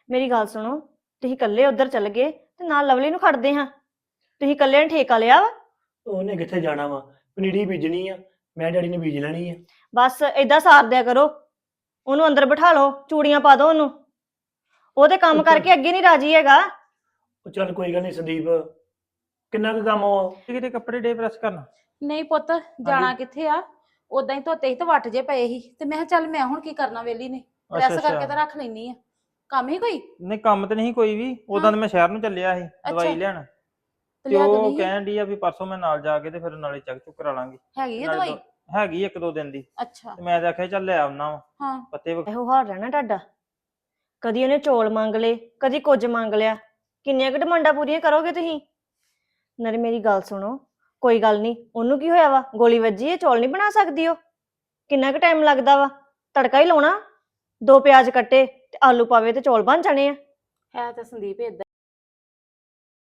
ਮੇਰੀ ਗੱਲ ਸੁਣੋ, ਤੁਸੀਂ ਇਕੱਲੇ ਉੱਧਰ ਚੱਲ ਗਏ ਤੇ ਨਾਲ ਲਵਲੀ ਨੂੰ ਖੜਦੇ ਹਾਂ। ਤੁਸੀਂ ਇਕੱਲੇ ਨੇ ਠੇਕਾ ਲਿਆ ਵਾ। ਉਹਨੇ ਕਿੱਥੇ ਜਾਣਾ ਵਾ, ਪਨੀਰੀ ਬੀਜਣੀ ਆ, ਮੈਂ ਡੈਡੀ ਨੇ ਬੀਜ ਲੈਣੀ ਆ। ਬਸ ਏਦਾਂ ਸਾਰ ਦਿਆ ਕਰੋ, ਉਹਨੂੰ ਅੰਦਰ ਬਿਠਾ ਲਓ, ਚੂੜੀਆਂ ਪਾ ਦਿਓ ਉਹਨੂੰ। ਉਹ ਤੇ ਕੰਮ ਉਹ ਚੱਲ ਕਰਕੇ ਅੱਗੇ ਨਹੀਂ ਰਾਜੀ ਹੈਗਾ। ਉਹ ਚੱਲ ਕੋਈ ਗੱਲ ਨਹੀਂ ਸੰਦੀਪ, ਕਿੰਨਾ ਕੁ ਕੰਮ ਆ। ਕਿਤੇ ਕੱਪੜੇ ਡੇ ਪ੍ਰੈਸ ਕਰਨਾ। ਨਹੀਂ ਪੁੱਤ, ਜਾਣਾ ਕਿੱਥੇ ਆ? ਉਦਾਂ ਹੀ ਧੋਤੇ ਸੀ ਤੇ ਵੱਟ ਜੇ ਪਏ ਸੀ ਤੇ ਮੈਂ ਕਿਹਾ ਚੱਲ ਮੈਂ ਹੁਣ ਕੀ ਕਰਨਾ ਵੇਲੀ ਨੇ, ਪ੍ਰੈਸ ਕਰਕੇ ਤਾਂ ਰੱਖ ਲੈਣੀ ਆ। ਕੰਮ ਹੀ ਕੋਈ? ਨਹੀਂ ਕੰਮ ਤੇ ਨਹੀਂ ਕੋਈ ਵੀ, ਉਦਾਂ ਤਾਂ ਮੈਂ ਸ਼ਹਿਰ ਨੂੰ ਚੱਲਿਆ ਸੀ ਦਵਾਈ ਲੈਣ। ਤੇ ਤੇ ਲਿਆ ਉਹ ਦੇਣੀ ਕਹਿਣ ਡਈ ਆ ਵੀ ਪਰਸੋਂ ਮੈਂ ਨਾਲ ਜਾ ਕੇ ਤੇ ਫਿਰ ਨਾਲੇ ਚੈੱਕ ਚੁੱਕ ਕਰਾ ਲਾਂਗੀ। ਹੈਗੀ ਆ ਨਾਲੇ ਦਵਾਈ? ਹੈਗੀ 1-2 ਦਿਨ ਦੀ। ਅੱਛਾ। ਤੇ ਮੈਂ ਤਾਂ ਆਖਿਆ ਚੱਲ ਲੈ ਆਉਣਾ ਵਾ ਹਾਂ। ਪੱਤੇ ਇਹੋ ਹਾਲ ਰਹਿਣਾ ਤੁਹਾਡਾ, ਕਦੀ ਉਹਨੇ ਚੌਲ ਮੰਗ ਲਏ, ਕਦੀ ਕੁਝ ਮੰਗ ਲਿਆ। ਕਿੰਨੀਆਂ ਕੁ ਡਿਮਾਂਡਾਂ ਪੂਰੀਆਂ ਕਰੋਗੇ ਤੁਸੀਂ? ਨਾਲੇ ਮੇਰੀ ਗੱਲ ਸੁਣੋ, ਕੋਈ ਗੱਲ ਨਹੀਂ, ਉਹਨੂੰ ਕੀ ਹੋਇਆ ਵਾ? ਗੋਲੀ ਵੱਜੀ ਹੈ, ਚੌਲ ਨਹੀਂ ਬਣਾ ਸਕਦੀ ਉਹ? ਕਿੰਨਾ ਕੁ ਟਾਈਮ ਲੱਗਦਾ ਵਾ? ਤੜਕਾ ਹੀ ਲਾਉਣਾ, 2 ਪਿਆਜ਼ ਕੱਟੇ ਤੇ ਆਲੂ ਪਾਵੇ ਤੇ ਚੌਲ ਬਣ ਜਾਣੇ ਆ। ਹੈ ਤਾਂ ਸੰਦੀਪ ਏਦਾਂ